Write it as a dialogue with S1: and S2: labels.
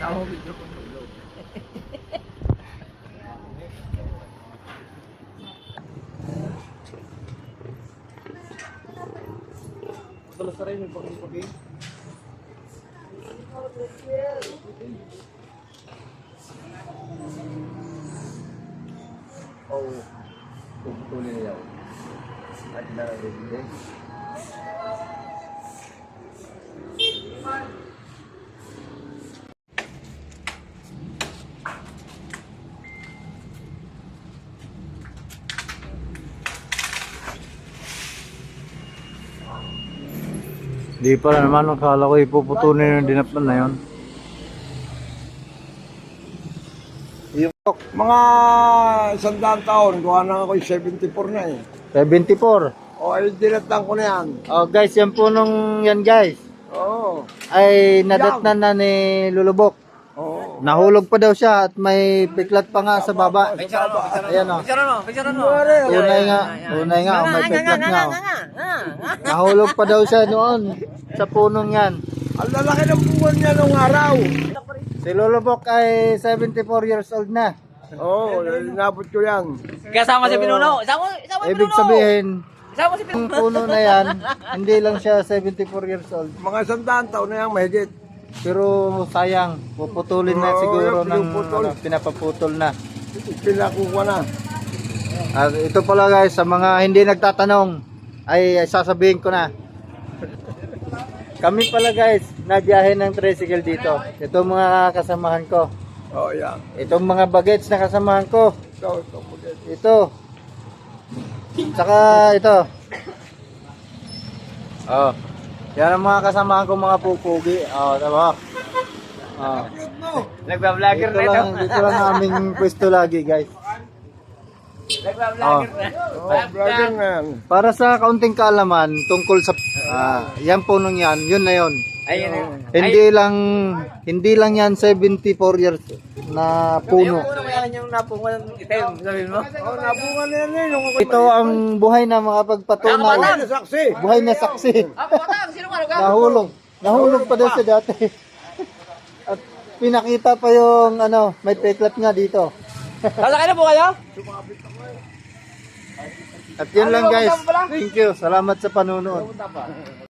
S1: Tao video ko tulog. Balas na rin yung pag-pag-pag. Oh, puputulin niya yun. At nararin din.
S2: Di pala naman, akala ko ipuputulin yung dinapnan na yun.
S3: Mga 100 taon, gawa na ako 74 na eh.
S2: 74.
S3: O ay dinatang ko na yan.
S2: Oh guys, yung punong yan guys,
S3: Oo.
S2: ay nadatnan na ni Lulubok.
S3: Oo.
S2: Nahulog pa daw siya at may piklat pa nga sa baba. Ayan o.
S1: Picturean mo.
S2: Unay nga, may piklat nga. Oh. Nahulog pa daw siya noon sa punong yan.
S3: Ang lalaki ng bungon niya nung araw.
S2: Si Lulubok ay 74 years old na.
S3: Oo, inabot ko yan.
S1: Kasama si Pinuno. Isama si
S2: Ibig
S1: Pinuno.
S2: sabihin,
S1: Isama si
S2: yung
S1: Pinuno.
S2: puno na yan, hindi lang siya 74 years old.
S3: Mga 100 taon na yan mahigit.
S2: Pero sayang, puputulin na
S3: Oo,
S2: siguro
S3: yung
S2: ng
S3: pinuputol.
S2: pinapaputol na.
S3: Pinakuha na.
S2: At ito pala guys, sa mga hindi nagtatanong, ay sasabihin ko na. Kami pala guys, nabiyahe ng tricycle dito. Ito mga kasamahan ko.
S3: Oo, yan.
S2: Itong mga bagets na kasamahan ko.
S3: Ito.
S2: Ito. Tsaka ito. Oh. Yan ang mga kasamahan ko, mga pupugi. Oh, tama. Oh.
S1: Nagba-vlogger
S2: Dito
S1: na ito.
S2: lang, dito lang aming pwesto lagi guys.
S1: Nagba-vlogger na.
S3: Oo, vlogger na yan.
S2: Para sa kaunting kaalaman tungkol sa yan punong yan, yun na yun.
S1: Ayun.
S2: Hindi lang yan 74 years na puno.
S1: Puno mo yan yung napungan ng itim. Sabihin mo.
S3: Oo, nabunga na yan eh. Nung
S2: Ito ang buhay na mga pagpatunay.
S3: Ay, nasaksi.
S2: Buhay na saksi.
S1: Patang. Sino ka?
S2: Nahulog pa daw siya dati. At pinakita pa yung may peklat nga dito.
S1: Sasakay na po kayo?
S2: At yun lang guys. Thank you. Salamat sa panunood.